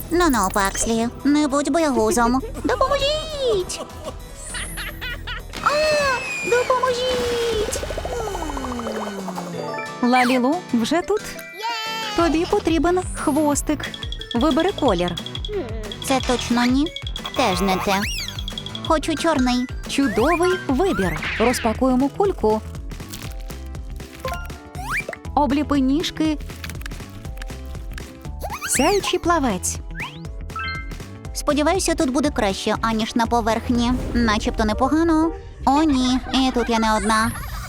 Ну-ну, Пакслі, не будь боягузом. Допоможіть! А, допоможіть! Лалілу вже тут? Тобі потрібен хвостик. Вибери колір. Це точно ні. Теж не те. Хочу чорний. Чудовий вибір. Розпакуємо кульку. Обліпи ніжки. Сяючий плавець. Сподіваюся, тут буде краще, аніж на поверхні. Начебто непогано. О, ні, і тут я не одна.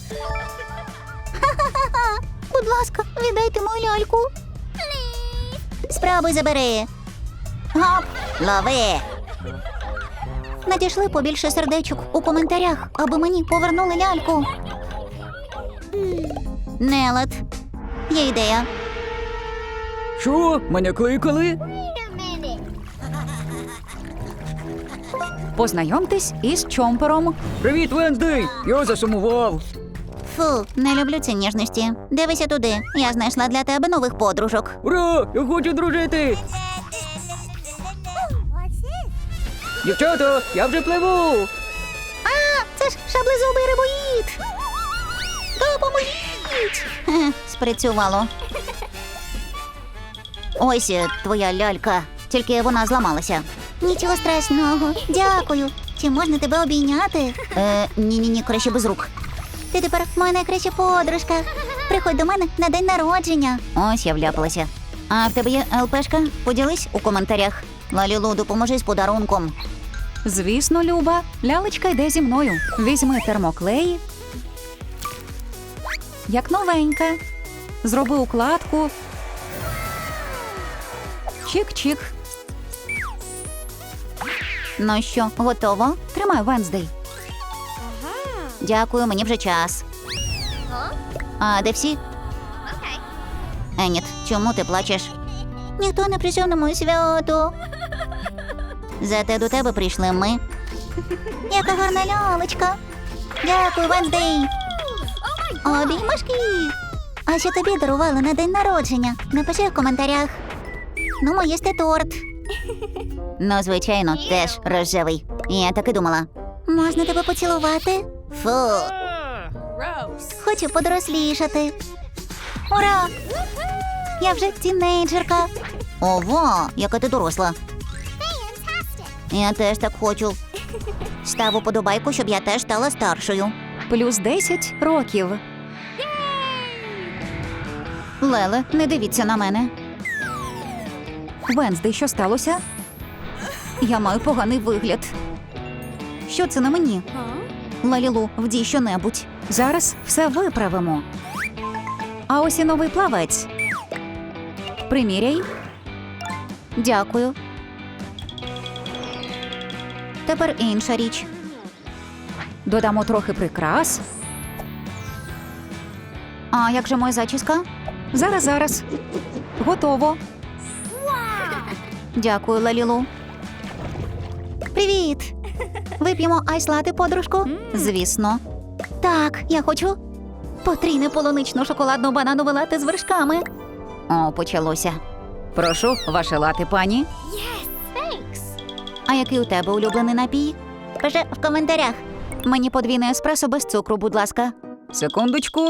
Ха-ха-ха! Будь ласка, віддайте мою ляльку. Спробуй забери. Гоп, лови. Надійшли побільше сердечок у коментарях, аби мені повернули ляльку. Нелад. Є ідея. Що? Мене кликали? Познайомтесь із Чомпером. Привіт, Венздей! Я засумував. Фу, не люблю ці ніжності. Дивися туди. Я знайшла для тебе нових подружок. Ура! Я хочу дружити! Дівчата, я вже пливу! А, це ж шаблезубий рибоїд. Допоможіть! Хе, спрацювало. Ось твоя лялька. Тільки вона зламалася. Нічого страшного. Дякую. Чи можна тебе обійняти? Ні-ні-ні, краще без рук. Ти тепер моя найкраща подружка. Приходь до мене на день народження. Ось я вляпалася. А в тебе є ЛПшка? Поділись у коментарях. Лалілу, допоможи з подарунком. Звісно, Люба, лялечка йде зі мною. Візьми термоклей. Як новенька. Зроби укладку. Чик-чик. Ну що, готово? Тримай, Венздей. Дякую, мені вже час. А де всі? Еніт, чому ти плачеш? Ніхто не прийшов на моє свято. Зате до тебе прийшли ми. Яка гарна лялечка. Дякую, Венздей. Обіймашки. А що тобі дарували на день народження? Напиши в коментарях. Ну, їсти торт. Ну, звичайно, теж рожевий. Я так і думала. Можна тебе поцілувати? Фу. Хочу подорослішати. Ура! Я вже тінейджерка. Ого, яка ти доросла. Я теж так хочу. Став уподобайку, щоб я теж стала старшою. Плюс 10 років. Леле, не дивіться на мене. Венздей, що сталося? Я маю поганий вигляд. Що це на мені? Лалілу, вдій щонебудь. Зараз все виправимо. А ось і новий плавець. Приміряй. Дякую. Тепер інша річ. Додамо трохи прикрас. А як же моя зачіска? Зараз. Готово. Дякую, Лалілу. Привіт! Вип'ємо айс-лати, подружку? Звісно. Так, я хочу потрійне полунично-шоколадно-бананове лате з вершками. О, почалося. Прошу, ваше лати, пані. А який у тебе улюблений напій? Пиши в коментарях. Мені подвійне еспресо без цукру, будь ласка. Секундочку.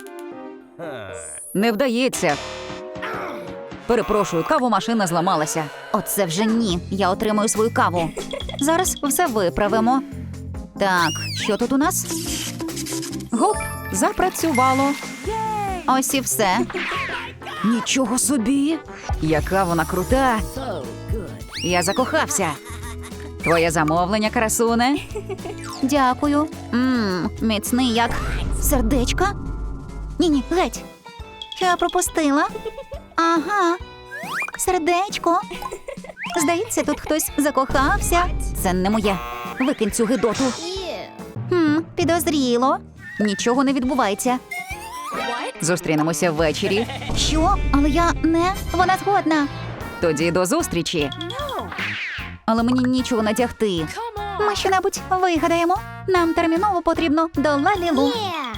Не вдається. Перепрошую, кавомашина зламалася. Оце вже ні. Я отримую свою каву. Зараз все виправимо. Так, що тут у нас? Гоп, запрацювало. Ось і все. Нічого собі. Яка вона крута. Я закохався. Твоє замовлення, красуне. Дякую. Міцний як сердечка. Ні-ні, геть. Що я пропустила? Ага. Сердечко. Здається, тут хтось закохався. Це не моє. Викинь цю гидоту. Підозріло. Нічого не відбувається. Зустрінемося ввечері. Що? Але я не... Вона згодна. Тоді до зустрічі. Але мені нічого надягти. Ми що-небудь вигадаємо. Нам терміново потрібно до Лалілу.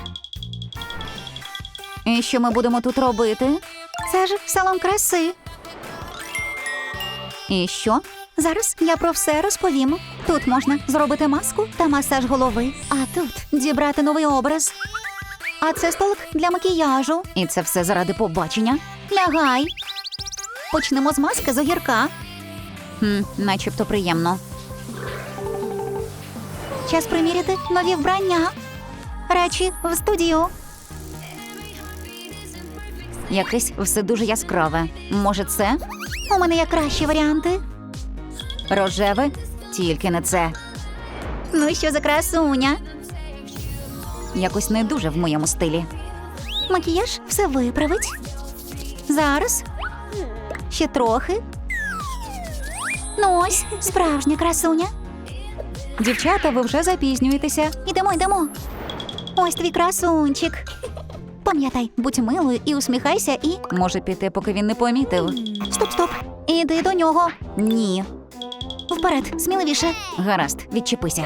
І що ми будемо тут робити? Це ж салон краси. І що? Зараз я про все розповім. Тут можна зробити маску та масаж голови, а тут дібрати новий образ. А це столик для макіяжу. І це все заради побачення. Лягай. Почнемо з маски з огірка. Начебто приємно. Час приміряти нові вбрання. Речі в студію. Якесь все дуже яскраве. Може це? У мене є кращі варіанти. Рожеве? Тільки не це. Ну що за красуня? Якось не дуже в моєму стилі. Макіяж все виправить. Зараз. Ще трохи. Ну ось, справжня красуня. Дівчата, ви вже запізнюєтеся. Йдемо. Ось твій красунчик. Пам'ятай, будь милою і усміхайся і... Може піти, поки він не помітив. Стоп. Іди до нього. Ні. Вперед, сміливіше. Гаразд, відчепися.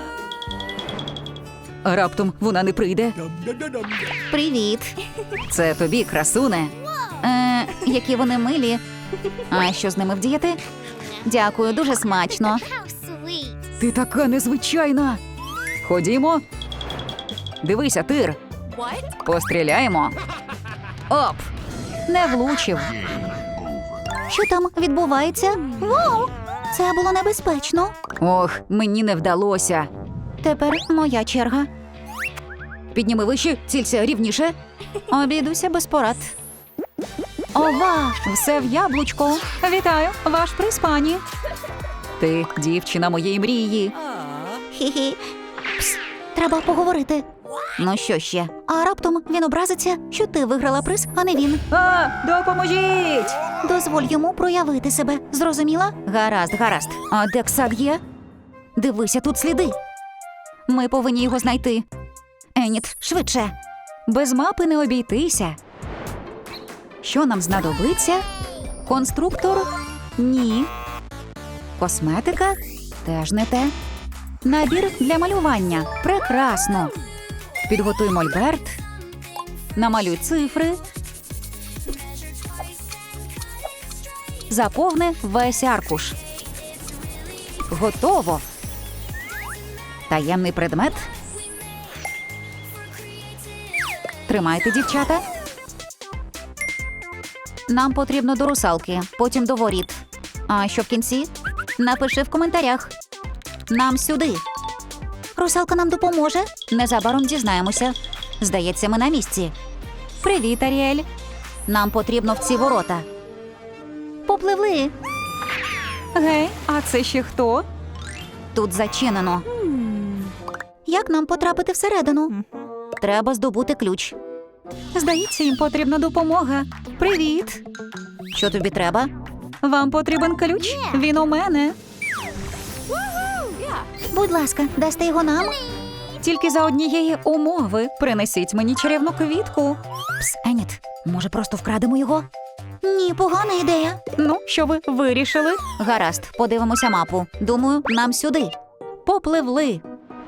А раптом вона не прийде. Привіт. Це тобі, красуне. Які вони милі. А що з ними вдіяти? Дякую, дуже смачно. Ти така незвичайна. Ходімо. Дивися, Тир. Постріляємо. Оп! Не влучив. Що там відбувається? Вау! Це було небезпечно. Ох, мені не вдалося. Тепер моя черга. Підніми вище, цілься рівніше. Обійдуся без порад. Ова! Все в яблучко. Вітаю, ваш приз, пані. Ти дівчина моєї мрії. Хі-хі. Пс, треба поговорити. Ну що ще? А раптом він образиться, що ти виграла приз, а не він. Допоможіть! Дозволь йому проявити себе. Зрозуміла? Гаразд. А де Ксак є? Дивися, тут сліди. Ми повинні його знайти. Еніт, швидше. Без мапи не обійтися. Що нам знадобиться? Конструктор? Ні. Косметика? Теж не те. Набір для малювання. Прекрасно. Підготуй мольберт. Намалюй цифри. Заповни весь аркуш. Готово. Таємний предмет. Тримайте, дівчата. Нам потрібно до русалки, потім до воріт. А що в кінці? Напиши в коментарях. Нам сюди. Русалка нам допоможе? Незабаром дізнаємося. Здається, ми на місці. Привіт, Аріель. Нам потрібно в ці ворота. Попливли. Гей, а це ще хто? Тут зачинено. Як нам потрапити всередину? Треба здобути ключ. Здається, їм потрібна допомога. Привіт. Що тобі треба? Вам потрібен ключ? Він у мене. Будь ласка, дасте його нам? Тільки за однієї умови. Принесіть мені чарівну квітку. Пс, Еніт, може просто вкрадемо його? Ні, погана ідея. Ну, що ви вирішили? Гаразд, подивимося мапу. Думаю, нам сюди. Попливли.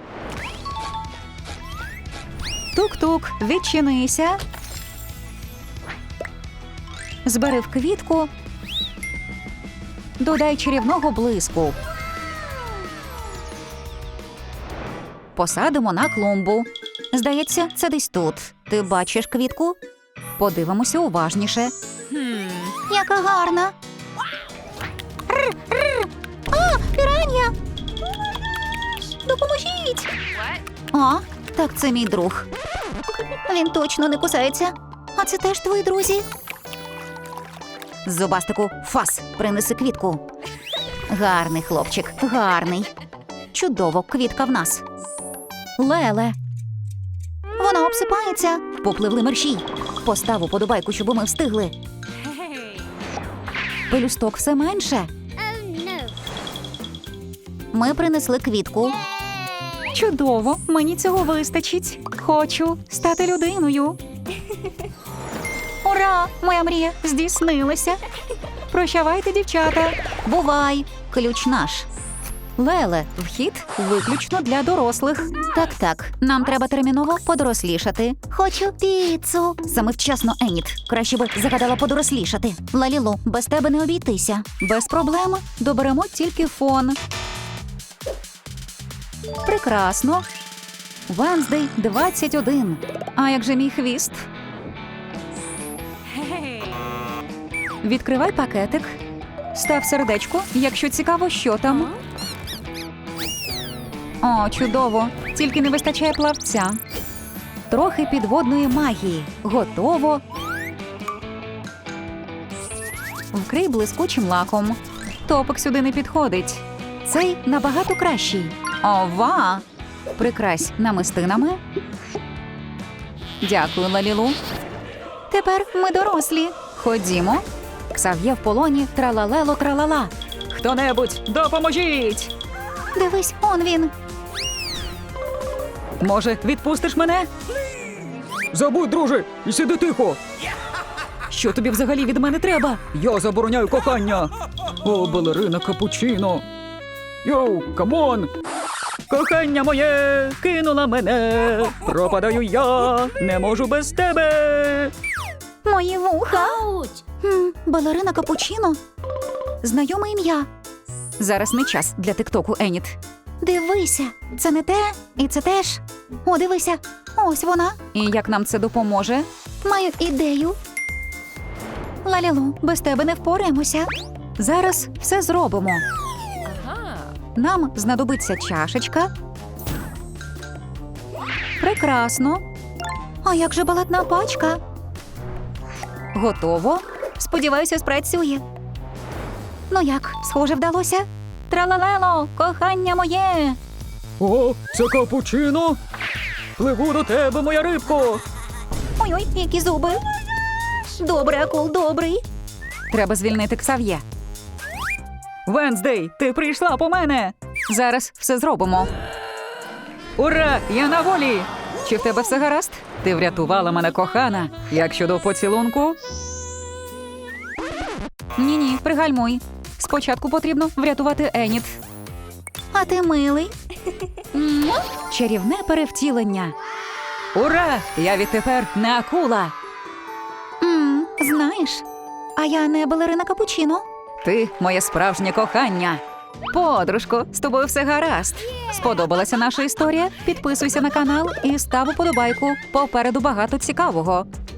Тук-тук, відчинися. Збери в квітку. Додай чарівного блиску. Посадимо на клумбу. Здається, це десь тут. Ти бачиш квітку? Подивимося уважніше. Яка гарна. А, піран'я! Допоможіть! А, так це мій друг. Він точно не кусається. А це теж твої друзі? Зубастику, фас, принеси квітку. Гарний хлопчик, гарний. Чудово, квітка в нас. Леле. Вона обсипається. Попливли мерщій. Постав уподобайку, щоб ми встигли. Пелюсток все менше. Ми принесли квітку. Чудово, мені цього вистачить. Хочу стати людиною. Ура! Моя мрія здійснилася. Прощавайте, дівчата. Бувай, ключ наш. Леле, вхід виключно для дорослих. Так, нам треба терміново подорослішати. Хочу піцу. Саме вчасно, Еніт. Краще би загадала подорослішати. Лалілу, без тебе не обійтися. Без проблем. Доберемо тільки фон. Прекрасно. Венздей 21. А як же мій хвіст? Відкривай пакетик. Став сердечко, якщо цікаво, що там. О, чудово. Тільки не вистачає плавця. Трохи підводної магії. Готово. Вкрий блискучим лаком. Топик сюди не підходить. Цей набагато кращий. Ова! Прикрась намистинами. Дякую, Лалілу. Тепер ми дорослі. Ходімо. Ксав'є в полоні тралалело тралала. Хто-небудь, допоможіть! Дивись, он він. Може, відпустиш мене? Забудь, друже, і сиди тихо. Що тобі взагалі від мене треба? Я забороняю кохання. О, балерина капучино. Йоу, камон! Кохання моє кинула мене. Пропадаю я, не можу без тебе. Мої вуха. Балерина капучино. Знайоме ім'я. Зараз не час для тиктоку, Еніт. Дивися, це не те, і це теж. О, дивися, ось вона. І як нам це допоможе? Маю ідею. Лалілу, без тебе не впораємося. Зараз все зробимо. Нам знадобиться чашечка. Прекрасно. А як же балетна пачка? Готово. Сподіваюся, спрацює. Ну як, схоже, вдалося? Тралалело, кохання моє! О, це капучино? Пливу до тебе, моя рибко. Ой-ой, які зуби. Добрий, акул, добрий. Треба звільнити Ксав'є. Венздей, ти прийшла по мене. Зараз все зробимо. Ура, я на волі. Чи в тебе все гаразд? Ти врятувала мене, кохана. Як щодо поцілунку? Ні-ні, пригальмуй. Спочатку потрібно врятувати Еніт. А ти милий. Чарівне перевтілення. Ура! Я відтепер не акула. Знаєш, а я не балерина капучино. Ти моє справжнє кохання. Подружко, з тобою все гаразд. Сподобалася наша історія? Підписуйся на канал і став уподобайку. Попереду багато цікавого.